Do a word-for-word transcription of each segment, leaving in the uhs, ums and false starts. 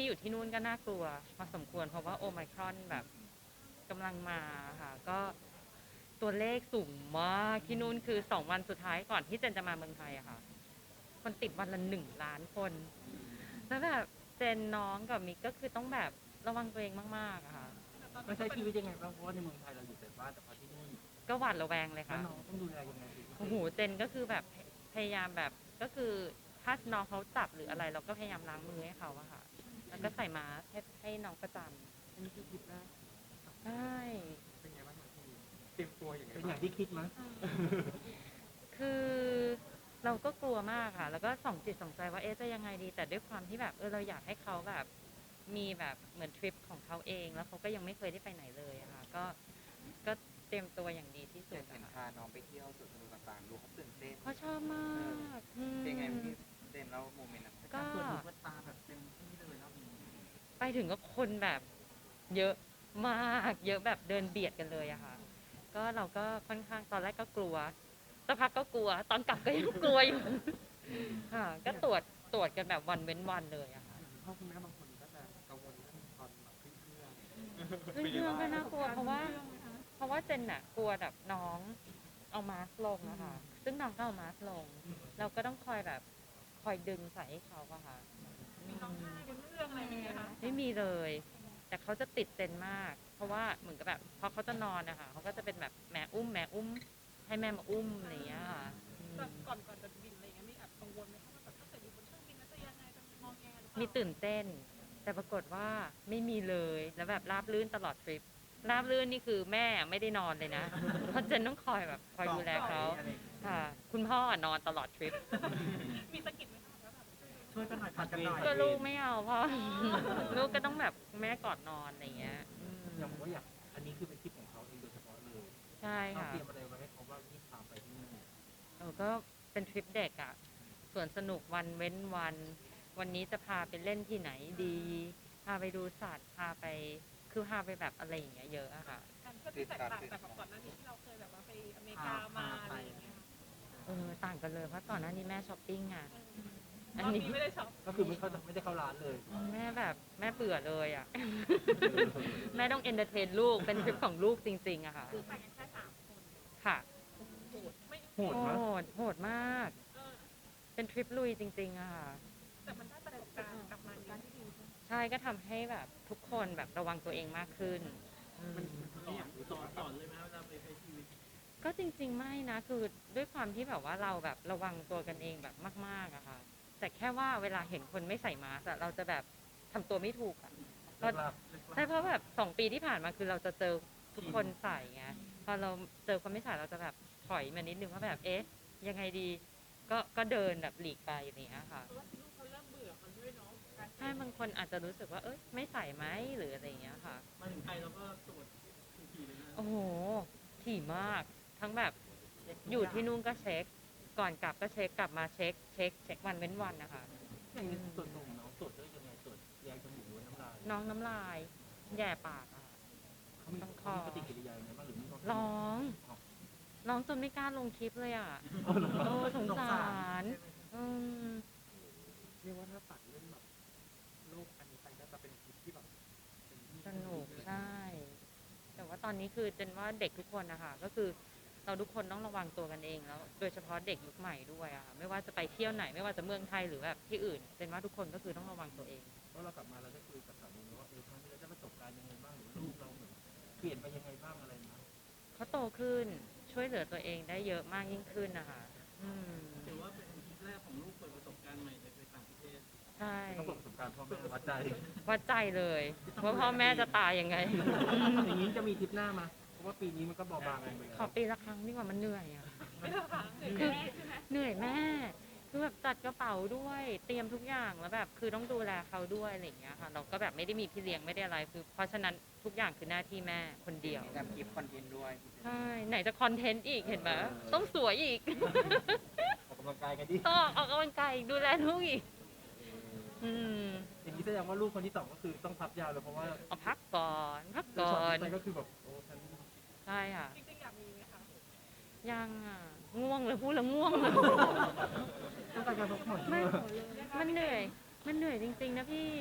ที่อยู่ที่นู่นก็น่ากลัวพอสมควรเพราะว่าโอไมครอนแบบกำลังมาค่ะก็ตัวเลขสูงมากที่นู่นคือสองวันสุดท้ายก่อนที่เจนจะมาเมืองไทยอะค่ะคนติดวันละหนึ่งล้านคนแล้วแบบเจนน้องกับมิกก็คือต้องแบบระวังตัวเองมากๆอะค่ะมันใช้ชีวิตยังไงบ้างเพราะว่าในเมืองไทยเราอยู่แต่บ้านแต่พอที่นี่ก็หวาดระแวงเลยแล้วค่ะน้องต้องดูแลยังไงเป็นพิเศโอ้โหษเจนก็คือแบบพยายามแบบก็คือถ้าน้องเขาจับหรืออะไรเราก็พยายามล้างมือให้เขาอะค่ะแล้วก็ใส่มาสก์ให้ให้น้องประจอันนี้คือคิดนะำใช่เป็นไงบ้างครับพี่เตรียมตัวอย่างไงเป็นอบ้างย่างที่คิดมั้ยคือเราก็กลัวมากค่ะแล้วก็ส่องจิตส่องใจว่าเอ๊ะจะยังไงดีแต่ด้วยความที่แบบเออเราอยากให้เขาแบบมีแบบเหมือนทริปของเขาเองแล้วเขาก็ยังไม่เคยได้ไปไหนเลยอะค่ะก็ก็เตรียมตัวอย่างดีที่สุเห็ดนเห็นอะค่ะพาน้องไปเที่ยวสวนสนุกต่างๆดูเขาตื่นเต้นเขาชอบมากอืมเป็นไงพี่เต้นแล้วโมเมนต์นั้นก็การเปิดหูเปิดตาแบบเต็มที่เลยรอบนี้ไปถึงก็คนแบบเยอะมากเยอะแบบเดินเบียดกันเลยอะค่ะก็เราก็ค่อนข้างตอนแรกก็กลัวสักพักก็กลัวตอนกลับก็ยังกลัวอยู่ค่ะก็ตรวจตรวจกันแบบวันเว้นวันเลยอะค่ะพ่อคุณแม่บางคนก็จะกังวลเรื่องตอนแบบขึ้นเครื่องขึ้นเครื่องก็น่ากลัวเพราะว่าเพราะว่าเจนอะกลัวแบบน้องเอามาสก์ลงอะค่ะซึ่งน้องก็เอามาสก์ลงเราก็ต้องคอยแบบคอยดึงใส่ให้เขาอะค่ะมีร้องไห้บนเครื่องอะไรอย่างเงี้ยคะไม่มีเลย แต่เขาจะติดเจนมาก เพราะว่าเหมือนกับแบบพอเขาจะนอนนะคะเขาก็จะเป็นแบบแม่อุ้มแม่อุ้มให้แม่มาอุ้มอะไรอย่างเงี้ยค่ะอืมแบบก่อนก่อนจะบินอะไรอย่างเงี้ยมีแอบกังวลไหมคะว่าแบบถ้าเกิดอยู่บนเครื่องบินแล้วจะยังไงจะมองแงหรือเปล่ามีตื่นเต้น แต่ปรากฏว่าไม่มีเลย แล้วแบบราบรื่นตลอดทริปราบรื่นนี่คือแม่ไม่ได้นอนเลยนะเพราะเจนต้องคอยแบบคอยดูแลเขาค่ะ คุณพ่อนอนตลอดทริปมีสะกิดไหมคะว่าแบบช่วยกันหน่อยผัดกันหน่อยก็ลูกไม่เอาเพราะ ลูกก็ต้องแบบแม่กอดนอนอะไรอย่างเงี้ยอืมอย่างว่าอยากอันนี้คือเป็นทริปของเขาเองโดยเฉพาะเลยใช่เราค่ะเตรียมอะไรไว้ให้เขาบ้างที่พาไปที่นี่เออก็เป็นทริปเด็กอะ่ะส่วนสนุกวันเว้นวัน วันนี้จะพาไปเล่นที่ไหนดี พาไปดูสัตว์ พาไป คือพาไปแบบอะไรอย่างเงี้ยเยอะอะค่ะการเที่ยวที่แตกต่างจากแบบก่อนหน้านี้ที่เราเคยแบบว่าไปอเมริกามาอะไรอย่างเงี้ยค่ะเออ ต่างกันเลย เพราะก่อนหน้านี้แม่ช้อปปิ้งอะรอัอน บนี้นี้ไม่ได้ช็อปก็คือไม่เข้าไม่ได้เข้าร้านเลยแม่แบบแม่เบื่อเลยอะ แม่ต้องเอนเตอร์เทนลูก เป็นทริปของลูกจริงๆอะค่ะคือไปกันแค่สามคนค่ะโหดไม่โหดโหนะด โหดมากเออเป็นทริปลุยจริงๆอะค่ะแต่มันได้ประสบการณ์กลับมาการที่ดีใช่ไหมใช่ก็ทำให้แบบทุกคนแบบระวังตัวเองมากขึ้นอืมสอนสอนเลยไหมเวลาไปใช้ชีวิตก็จริงๆไม่นะคือด้วยความที่แบบว่าเราแบบระวังตัวกันเองแบบมากๆอะค่ะแต่แค่ว่าเวลาเห็นคนไม่ใส่มาสก์อะเราจะแบบทำตัวไม่ถูกอะก็ใช่เพราะแบบสองปีที่ผ่านมาคือเราจะเจอทุกคนใส่ไงพอเราเจอคนไม่ใส่เราจะแบบถอยมานิดนึงว่าแบบเอ๊ะยังไงดีก็ก็เดินแบบหลีกไปอย่างเงี้ยค่ะเพราะว่าลูกเขาเริ่มเบื่อมันด้วยเนาะการใช่บางคนอาจจะรู้สึกว่าเอ้ยไม่ใส่ไหมหรืออะไรอย่างเงี้ยค่ะมาถึงไทยเราก็ตรวจทุกทีเลยนะโอ้โหถี่มากทั้งแบบอยู่ที่นู่นก็เช็ค ก่อนกลับก็เช็คกลับมาเช็คเช็คเช็ควันเว้นวันนะคะอย่างนี้ส่วนหนุ่มน้องตรวจด้วยยังไงตรวจแยกจมูกหรือน้ำลายน้องน้ำลายแย่ปากอะเขามีเขามีปฏิกิริยายังไงบ้างหรือมีร้องร้องจนไม่กล้าลงคลิปเลยอ่ะโอ้สงสารอืมเรียกว่าถ้าตัดเรื่องแบบโลกอันนี้ไปก็จะเป็นคลิปที่แบบเป็นที่สนุกใช่ แต่ว่าตอนนี้คือเจนว่าเด็กทุกคนนะคะก็คือเราทุกคนต้องระวังตัวกันเองแล้ว โดยเฉพาะเด็กยุคใหม่ด้วยอะค่ะไม่ว่าจะไปเที่ยวไหนไม่ว่าจะเมืองไทยหรือแบบที่อื่นเจนว่าทุกคนก็คือต้องระวังตัวเองเพราะเรากลับมาเราได้คุยกับสามีว่าเออครั้งนี้เราได้ประสบการณ์ยังไงบ้างหรือลูกเราเหมือนเปลี่ยนไปยังไงบ้างอะไรนะเขาโตขึ้นช่วยเหลือตัวเองได้เยอะมากยิ่งขึ้นนะคะอืมถือว่าเป็นทริปแรกของลูกเปิดประสบการณ์ใหม่เลยไปต่างประเทศใช่ต้องบอกประสบการณ์พ่อแม่วัดใจวัดใจเลยว่าพ่อแม่จะตายยังไงอย่างนี้จะมีทริปหน้ามาเพราะว่าปีนี้มันก็เบาบางลงไปแล้วขอปีละครั้งดีกว่ามันเหนื่อยอ่ะไม่ได้ค่ะเหนื่อยคือแม่ใช่ไหมเหนื่อยแม่ คือแบบจัดกระเป๋าด้วย เตรียมทุกอย่างแล้วแบบคือต้องดูแลเขาด้วยอะไรอย่างเงี้ยค่ะ เราก็แบบไม่ได้มีพี่เลี้ยงไม่ได้อะไรคือเพราะฉะนั้นทุกอย่างคือหน้าที่แม่คนเดียวมีทำคลิปคอนเทนต์ด้วยใช่ไหนจะคอนเทนต์อีกเห็นไหมต้องสวยอีกออกกำลังกายกันดิต้องออกกำลังกายอีกดูแลลูกอีก อืมอย่างนี้แสดงว่าลูกคนที่สองก็คือต้องพับยาวเลยเพราะว่าเอาพักก่อนพักช็ก่ออตนไปก็คือแบบโอ้ฉันใช่ค่ะจริงๆอยากมีไหมคะยังอ่ะ ง่วงเลยพูดแล้วง่วงเลยต้องการการพักผ่อนไม่ด้วยมันเหนื่อย มันเหนื่อยจริงๆนะพี่ ค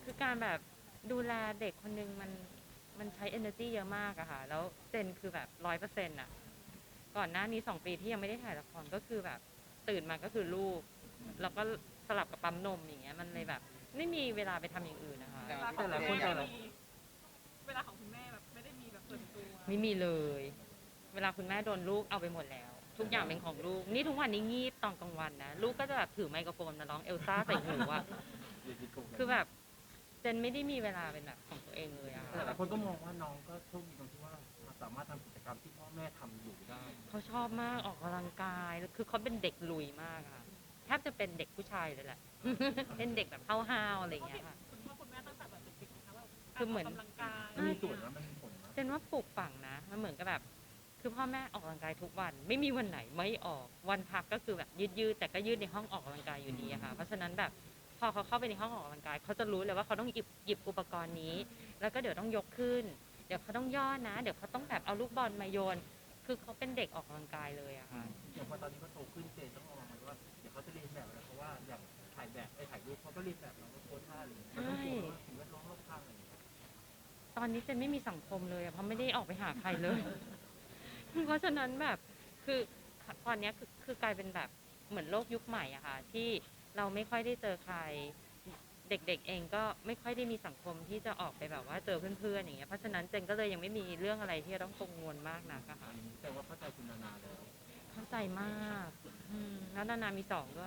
คือการแบบดูแลเด็กคนนึงมันมันใช้ energy เยอะมากอะค่ะแล้วเจนคือแบบร้อยเปอร์เซ็นต์อะก่อนหน้านี้สองปีที่ยังไม่ได้ถ่ายละครก็คือแบบตื่นมาก็คือลูกแล้วก็สลับกับปั๊มนมอย่างเงี้ยมันเลยแบบไม่มีเวลาไปทำอย่างอื่นนะคะเวลาของคุณแม่มีเวลาของคุณแม่แบบไม่ได้มีแบบส่วนตัวไม่มีเลย เวลาคุณแม่โดนลูกเอาไปหมดแล้ว ทุกอย่างเป็นของลูกนี่ทุกวันนี้งีบตอนกลางวันนะลูกก็จะแบบถือไมโครโฟนมาร้องเอลซ่าใส่หูอะคือแบบเจนไม่ได้มีเวลาเป็นแบบของตัวเองเลยอะแต่หลายคนก็มองว่าน้องก็โชคดีตรงที่ว่าสามารถทำกิจกรรมที่พ่อแม่ทำอยู่ได้เขาชอบมากออกกำลังกายคือเขาเป็นเด็กลุยมากอะแทบจะเป็นเด็กผู้ชายเลยแหละ เป็นเด็กแบบห้าวๆอะไรอย่างเงี้ยค่ะคุณพ่อคุณแม่ตั้งแต่แบบเด็กๆนะคะว่าคือเหมือนกำลังกายมันมีส่วนนะมันมีผลนะเจนว่าปลูกฝังนะมันเหมือนกับแบบคือพ่อแม่ออกกำลังกายทุกวัน ไม่มีวันไหนไม่ออกวันพักก็คือแบบยืดยืดๆแต่ก็ยืดในห้องออกกำลังกายอยู่ดีอะค่ะเพราะฉะนั้นแบบพอเขาเข้าไปในห้องออกกำลังกายเขาจะรู้เลยว่าเขาต้องหยิบหยิบอุปกรณ์นี้ แล้วก็เดี๋ยวต้องยกขึ้น เดี๋ยวเขาต้องย่อนะ เดี๋ยวเขาต้องแบบเอาลูกบอลมาโยน คือเขาเป็นเด็กออกกำลังกายเลยอะค่ะอย่างพอตอนนี้เขาโตขึ้นเจนต้องมองมันว่าเดี๋ยวเขาจะเรียนแบบอะไรเพราะว่าอย่างถ่ายแบบไอ้ถ่ายรูปเขาก็เรียนแบบเราก็โพสท่าอะไรอย่างเงี้ยมันต้องกลัวว่าสิ่งแวดล้อมรอบข้างอะไรอย่างเงี้ยตอนนี้เจนไม่มีสังคมเลยอะเพราะไม่ได้ออกไปหาใครเลย เพราะฉะนั้นแบบคือตอนเนี้ยคือคือกลายเป็นแบบเหมือนโลกยุคใหม่อะค่ะที่เราไม่ค่อยได้เจอใคร เด็กๆเองก็ไม่ค่อยได้มีสังคมที่จะออกไปแบบว่าเจอเพื่อนๆอย่างเงี้ยเพราะฉะนั้นเจนก็เลยยังไม่มีเรื่องอะไรที่จะต้องกังวลมากนักอะค่ะแต่ว่าเข้าใจคุณนานาแล้วเข้าใจมากอืมแล้วนานามีสองด้วย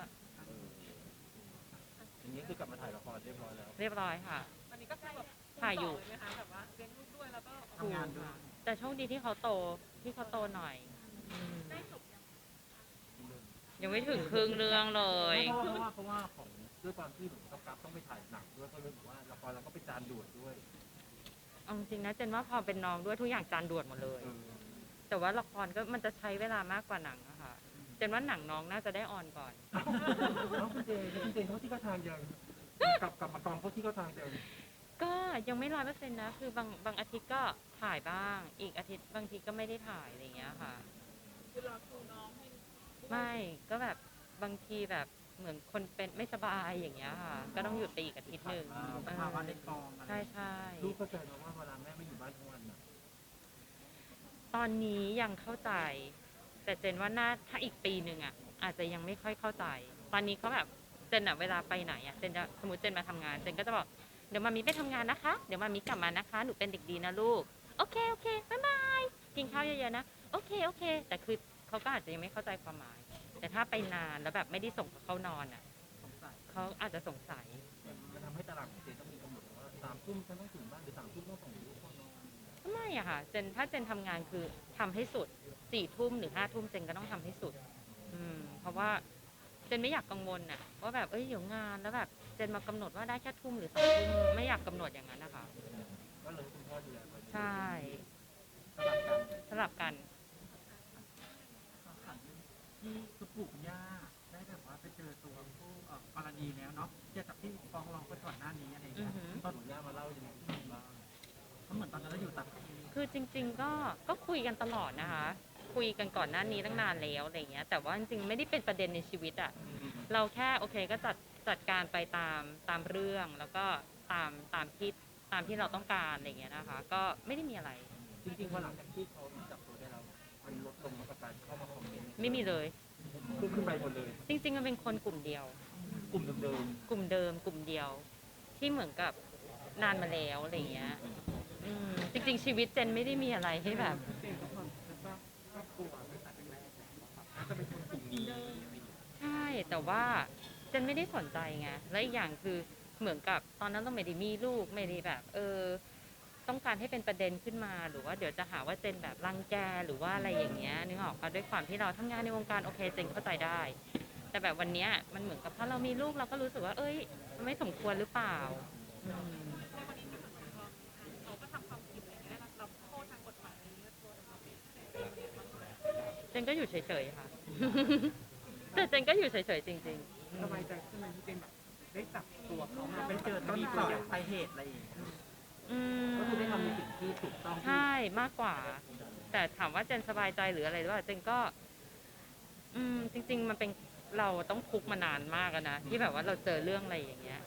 อย่างนี้คือกลับมาถ่ายละครเรียบร้อยแล้วเรียบร้อยค่ะอันนี้ก็คือแบบถ่ายอยู่คูณสงเลไหมคะแบบว่าเลี้ยงลูกด้วยแล้วก็ออกทำงานด้วยแต่โชคดีที่เขาโตที่เขาโตหน่อยอืมได้จบยังยังไม่ถึงครึ่งเรื่องเลยเพราะว่าเพราะว่าของด้วยความที่เหมือนกับกราฟต้องไปถ่ายหนังด้วยก็เลยบอกว่าละครเราก็ไปจานด่วนด้วยเอาจริงๆนะเจนว่าพอเป็นน้องด้วยทุกอย่างจานด่วนหมดเลย แต่ว่าละครก็มันจะใช้เวลามากกว่าหนังอะค่ะเจนว่าหนังน้องน่าจะได้ออนก่อนน้องคุณเจคุณเจนเขาที่เขาทางยังกลับกลับมากองเขาที่เขาทางยังก็ยังไม่ร้อยเปอร์เซ็นต์นะคือบางบางอาทิตย์ก็ถ่ายบ้าง อีกอาทิตย์บางทีก็ไม่ได้ถ่ายอะไรอย่างเงี้ยค่ะคือรอครูน้องให้ไม่ก็แบบบางทีแบบเหมือนคนเป็นไม่สบายอย่างเงี้ยค่ะ ก็ต้องหยุดไปอีกอาทิตย์หนึ่งสภาวะในกองอะไรใช่ใช่ลูกเข้าใจนะว่าเวลาแม่ไม่อยู่บ้านทั้งวันน่ะตอนนี้ยังเข้าใจ แต่เจนว่าน่าถ้าอีกปีหนึ่งอ่ะอาจจะยังไม่ค่อยเข้าใจ ตอนนี้เขาแบบเจนอะเวลาไปไหนอ่ะเจนจะสมมติเจนมาทำงานเจนก็จะบอกเดี๋ยวมามีไปทำงานนะคะ เดี๋ยวมามีกลับมานะคะหนูเป็นเด็กดีนะลูกโอเคโอเคบ๊ายบายกินข้าวเยอะๆนะโอเคโอเค แต่คือเขาก็อาจจะยังไม่เข้าใจความหมาย แต่ถ้าไปนานแล้วแบบไม่ได้ส่งเขาเข้านอนอ่ะสงสัยเขาอาจจะสงสัยมันทำให้ตารางของเจนต้องมีกำหนดว่าสามทุ่มฉันต้องถึงบ้านหรือสามทุ่มต้องส่งลูกเข้านอนไม่อะค่ะเจนถ้าเจนทำงานคือทำให้สุดสี่ทุ่มหรือห้าทุ่มเจนก็ต้องทำให้สุด อืมเพราะว่าเจนไม่อยากกังวลน่ะว่าแบบเอ้ยเดี๋ยวงานแล้วแบบเจนมากำหนดว่าได้แค่ทุ่มหรือสองทุ่มไม่อยากกำหนดอย่างนั้นนะคะก็เลยคุณพ่อดูแลไปใช่สลับกันสลับกันที่คุณปู่คุณย่าได้แบบว่าไปเจอตัวผู้เอ่อกรณีแล้วเนาะเกี่ยวกับที่ฟ้องร้องไปก่อนหน้านี้อะไรอย่างอืเงี้อย หือตอนหนูย่ามาเล่ายังไงบ้างเพราะเหมือนตอนนั้นเราอยู่ต่างประเทศคือจริง ๆ ก็ก็คุยกันตลอดนะคะ คุยกันก่อนหน้านี้ตั้งนานแล้วอะไรเงี้ย แต่ว่าจริงๆไม่ได้เป็นประเด็นในชีวิตอะเราแค่โอเคก็จัดจัดการไปตามตามเรื่องแล้วก็ตามตามที่ตามที่เราต้องการอะไรเงี้ยนะคะ ก็ไม่ได้มีอะไรจริงๆพอหลังจากที่เขาจับตัวได้แล้วมันลดลงมากับการเข้ามาคอมเมนต์ไม่มีเลยขึ้นขึ้นไปหมดเลยจริงๆมันเป็นคนกลุ่มเดียวกลุ่มเดิมกลุ่มเดิมกลุ่มเดียว ที่เหมือนกับนานมาแล้วอะไรเงี้ยอืมจริง ๆ ชีวิตเจนไม่ได้มีอะไรให้แบบเจนก็ความแล้วก็ครอบครัวตั้งแต่แรกแล้วว่าแบบน่าจะเป็นคนกลุ่มนี้อะไรอย่างเงี้ยใช่แต่ว่าเจนไม่ได้สนใจไงและอีกอย่างคือเหมือนกับตอนนั้นเราไม่ได้มีลูกไม่ได้แบบ เออ ต้องการให้เป็นประเด็นขึ้นมาหรือว่าเดี๋ยวจะหาว่าเจนแบบรังแกหรือว่าอะไรอย่างเงี้ยนึกออกปะด้วยความที่เราทำงานในวงการโอเคเจนเข้าใจได้ แต่แบบวันเนี้ยมันเหมือนกับถ้าเรามีลูกเราก็รู้สึกว่า เอ้ยมันไม่สมควรหรือเปล่าอืมในวันนี้จะสังคมเขาก็ทำความผิดอะไรเงี้ยเราโทษทางกฎหมายอะไรเงี้ยโทษทางความผิดเจนก็อยู่เฉยๆค่ะ แต่เจนก็อยู่เฉยๆจริงๆสบายใจขึ้นไหมที่เจนแบบได้จับตัวเขามาไปเป็นเจอต้นต่อปลายเหตุอะไรอย่างเงี้ยอืมๆก็คือได้ทำในสิ่งที่ถูกต้องที่ใช่มากกว่า แต่ถามว่าเจนสบายใจหรืออะไรหรือเปล่าเจนก็ อืมจริง ๆ มันเป็นเราต้องคุกมานานมากอะนะที่แบบว่าเราเจอเรื่องอะไรอย่างเงี้ย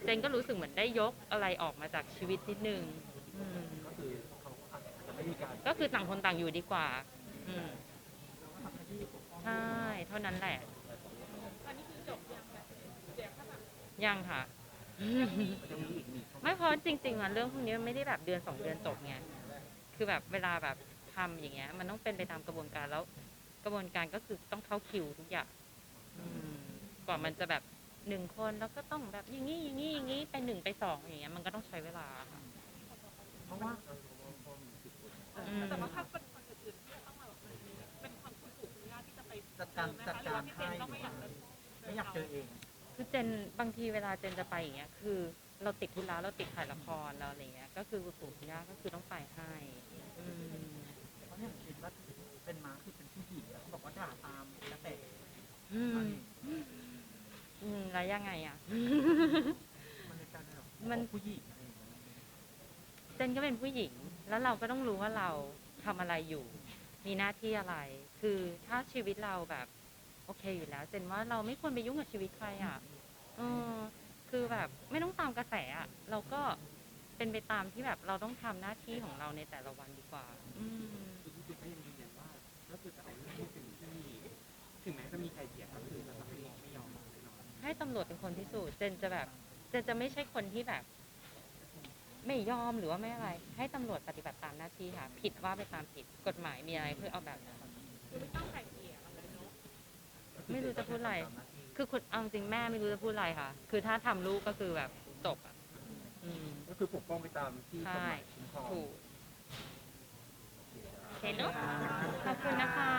เจนก็รู้สึกเหมือนได้ยกอะไรออกมาจากชีวิตนิดนึงอืมก็คือเขาอาจจะไม่มีการก็คือต่างคนต่างอยู่ดีกว่าอืมเราก็ทำหน้าที่ปกป้องใช่ เท่านั้นแหละอันนี้คือจบยังแบบเดี๋ยวถ้าแบบยังค่ะจะมีอีกหนึ่งไม่เพราะจริงๆอ่ะเรื่องพวกนี้มันไม่ได้แบบเดือนสองเดือนจบไง คือแบบเวลาแบบทำอย่างเงี้ย มันต้องเป็นไปตามกระบวนการแล้ว กระบวนการก็คือต้องเข้าคิวทุกอย่างอืมกว่ามันจะแบบหนึ่งคนแล้วก็ต้องแบบอย่างนี้อย่างนี้อย่างนี้ไปหนึ่งไปสองอย่างเงี้ยมันก็ต้องใช้เวลาค่ะเพราะว่าอืมแต่ว่าถ้าเป็นคนอื่นๆที่จะต้องมาแบบมันเป็นความคุณปู่คุณย่าที่จะไปจัดการเจอไหมจัดคะหรือการว่าพี่เจให้นก็ไม่อยากจะไม่อยากเจอเองคือเจนบางทีเวลาเจนจะไปอย่างเงี้ยคือเราติดธุระเราติดถ่ายละครเราอะไรเงี้ยก็คือคุณปู่คุณย่าก็คือต้องไปให้อืมเพราะอย่างเห็นว่าเป็นม้าคือเป็นผู้หญิงแล้วเขาบอกว่าด่าตามกระแตอืมอืมแล้วยังไงอ่ะมันในการแบบมันผู้หญิงอะไรอย่างเงี้ยเจนก็เป็นผู้หญิง แล้วเราก็ต้องรู้ว่าเราทำอะไรอยู่ มีหน้าที่อะไร คือถ้าชีวิตเราแบบโอเคอยู่แล้ว เจนว่าเราไม่ควรไปยุ่งกับชีวิตใครอ่ะเออคือแบบไม่ต้องตามกระแสอ่ะ เราก็เป็นไปตามที่แบบเราต้องทำหน้าที่ของเราในแต่ละวันดีกว่า อืมคือพี่เจนก็ยังยืนยันว่าก็คือจะเอาเรื่องที่เป็นที่ถึงแม้จะมีใครเกลียดก็คือจะไม่ยอมไม่ยอมแน่นอนให้ตำรวจเป็นคนพิสูจน์เจนจะแบบเจนจะไม่ใช่คนที่แบบ ไม่ยอมหรือว่าไม่อะไร ให้ตำรวจปฏิบัติตามหน้าที่ค่ะ ผิดว่าไปตามผิดกฎหมายมีอะไรเพื่อเอาแบบนั้นคือไม่ต้องไกลเกลี่ยอะไรเนาะไม่รู้จะพูดอะไร คือคุณเอาจริงแม่ไม่รู้จะพูดอะไรค่ะ คือถ้าทำลูกก็คือแบบจบอ่ะ อืมก็คือปกป้องไปตามที่กฎใช่หมายคุ้มครองถูกโอเคเนอะขอบคุณนะคะ